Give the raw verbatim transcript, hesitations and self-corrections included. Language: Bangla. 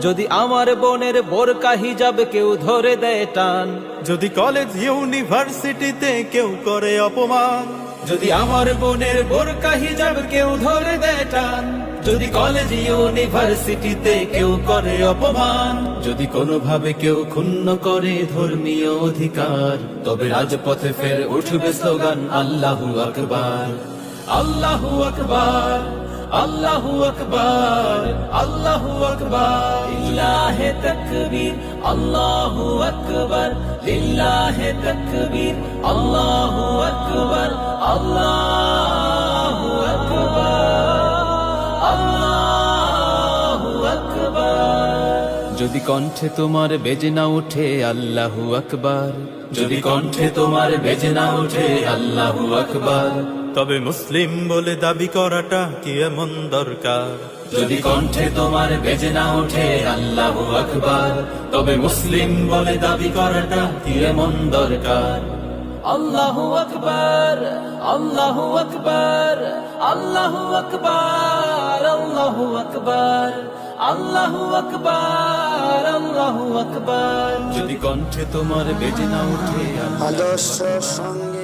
যদি আমার বোনের বোরকা হিজাব কেউ ধরে দেয় টান, যদি কলেজ ইউনিভার্সিটিতে কেউ করে অপমান, যদি আমার বোনের বোরকা হিজাব কেউ ধরে দেয় টান, যদি কলেজ ইউনিভার্সিটিতে কেউ করে অপমান, যদি কোনোভাবে কেউ ক্ষুণ্ণ করে ধর্মীয় অধিকার, তবে রাজপথে ফের উঠবে স্লোগান আল্লাহু আকবার, আল্লাহু আকবার, আল্লাহু আকবার, আল্লাহু আকবার। লিল্লাহে তাকবীর, আল্লাহু আকবার, লিল্লাহে তাকবীর, আল্লাহু আকবার, আল্লাহু আকবার, আল্লাহু আকবার। যদি কণ্ঠে তোমার বেজে না ওঠে আল্লাহু আকবার, যদি কণ্ঠে তোমার বেজে না ওঠে আল্লাহু আকবার, তবে মুসলিম বলে দাবি করাটা কি এমন দরকার? যদি কণ্ঠে তোমার বেজে না ওঠে আল্লাহু আকবার, তবে মুসলিম বলে দাবি করাটা কি এমন দরকার? আল্লাহু আকবার, আল্লাহু আকবার, আল্লাহু আকবার, আল্লাহু আকবার, আল্লাহু আকবার, আল্লাহু আকবার। যদি কণ্ঠে তোমার বেজে না ওঠে আদর্শ সঙ্গে